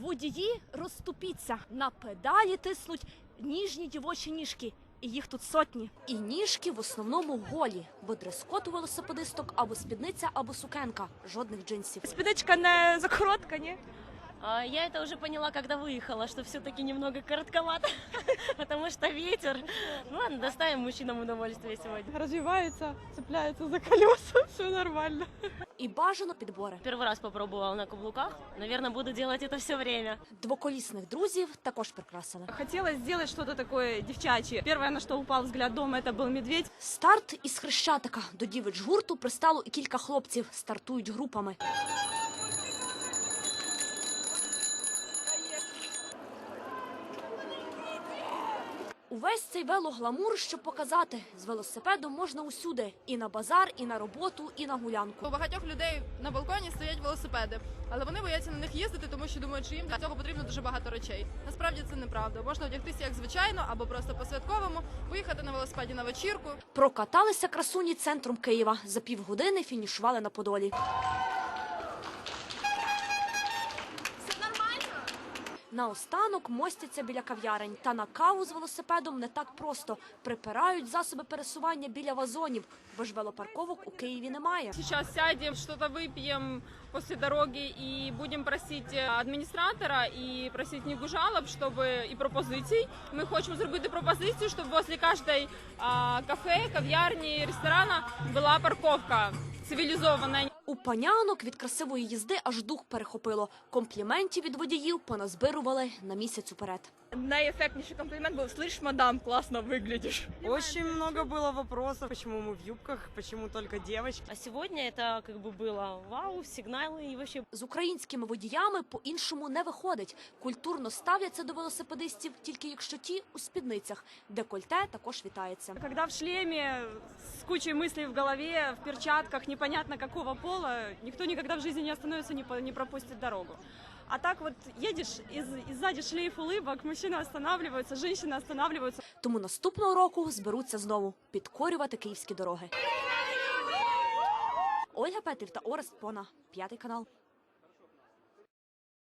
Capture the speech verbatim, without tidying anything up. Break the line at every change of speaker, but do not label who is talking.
Водії розступіться, на педалі тиснуть ніжні дівочі ніжки. І їх тут сотні. І ніжки в основному голі, бо дрес-код у велосипедисток або спідниця, або сукенка. Жодних джинсів.
Спідничка не закоротка, ні?
А, я это уже поняла, когда выехала, что все-таки немного коротковато, потому что ветер. Ну ладно, доставим мужчинам удовольствие сегодня.
Развивается, цепляется за колеса, все нормально.
І бажано підбори.
Первый раз попробовала на каблуках, наверное, буду делать это все время.
Двоколісних друзів також прикрасили.
Хотелось сделать что-то такое девчачье. Первое, на что упал взгляд дома, это был медведь.
Старт із Хрещатика. До дівич гурту пристало і кілька хлопців. Стартують групами. Увесь цей велогламур, щоб показати, з велосипедом можна усюди. І на базар, і на роботу, і на гулянку.
У багатьох людей на балконі стоять велосипеди, але вони бояться на них їздити, тому що думають, що їм для цього потрібно дуже багато речей. Насправді це неправда. Можна одягтися як звичайно, або просто по-святковому, поїхати на велосипеді на вечірку.
Прокаталися красуні центром Києва. За півгодини фінішували на Подолі. Наостанок мостяться біля кав'ярень. Та на каву з велосипедом не так просто. Припирають засоби пересування біля вазонів, бо ж велопарковок у Києві немає.
Сейчас сядем, что-то выпьем после дороги и будем просить администратора и просить книгу жалоб, чтобы и пропозиций. Мы хотим зробити пропозицию, чтобы возле каждой а, кафе, кав'ярні, ресторана была парковка цивілізована.
У панянок від красивої їзди аж дух перехопило. Компліментів від водіїв поназбирували на місяць уперед.
Найэффектнейший комплимент был: «Слышь, мадам, классно выглядишь».
Очень много было вопросов, почему мы в юбках, почему только девочки.
А сегодня это как бы было вау, сигналы и вообще.
З українськими водіями по-іншому не виходить. Культурно ставляться до велосипедистів, тільки якщо ті у спідницях. Декольте також вітається.
Когда в шлеме с кучей мыслей в голове, в перчатках, непонятно какого пола, никто никогда в жизни не остановится, не, по, не пропустит дорогу. А так вот едешь, и, и сзади шлейф улыбок, мужчины останавливаются, женщины останавливаются.
Тому наступного року зберуться знову підкорювати київські дороги. Ольга Петрів та Орест Пона, П'ятий канал.